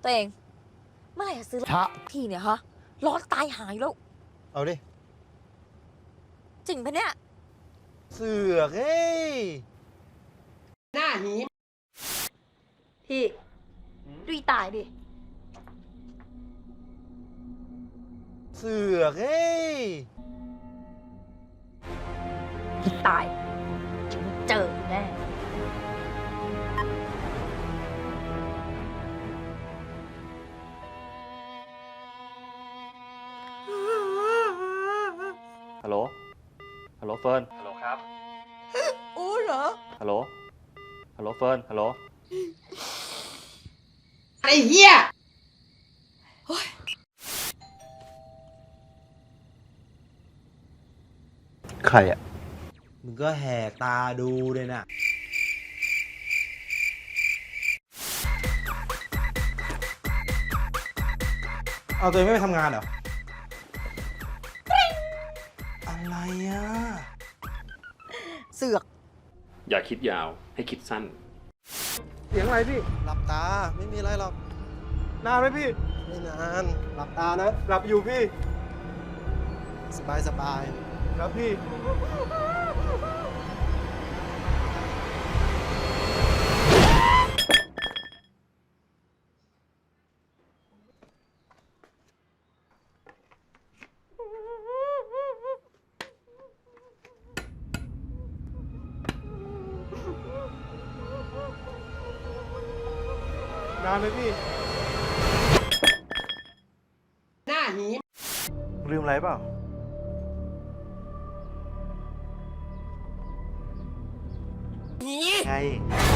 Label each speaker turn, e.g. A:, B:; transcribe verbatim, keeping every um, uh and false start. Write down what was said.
A: ตัวเองเมื่อไหร่จะซื้อรถทีเนี่ยฮะร้อนตายหายแล้ว
B: เอาดิ
A: จริงปะเนี่ย
B: เสือกเฮ้ย
C: หน้าหี
A: พี่ดูตายดิ
B: เสือกเฮ้ย
A: ตายฉันเจอแน่
D: ฮัลโหล ฮัลโหลเฟิร์น ฮัลโหลครับ
A: โอ้เหรอ
D: ฮัลโหล ฮัลโหลเฟิร์น ฮัลโหล
C: ไอ้เหี้ย
B: ใครอ่ะมึงก็แหกตาดูเลยนะเอาตัวเองไม่ไปทำงานเหรออะไรอ่ะ
A: เสือก
D: อย่าคิดยาว ให้คิดสั้น
B: เสียงอะไรพี่หลับตาไม่มีอะไรหรอกนานไหมพี่ไม่นานหลับตานะหลับอยู่พี่สบายสบายครับพี่นานไหมพี่
C: หน้าหี
B: ลืมอะไรเปล่าไง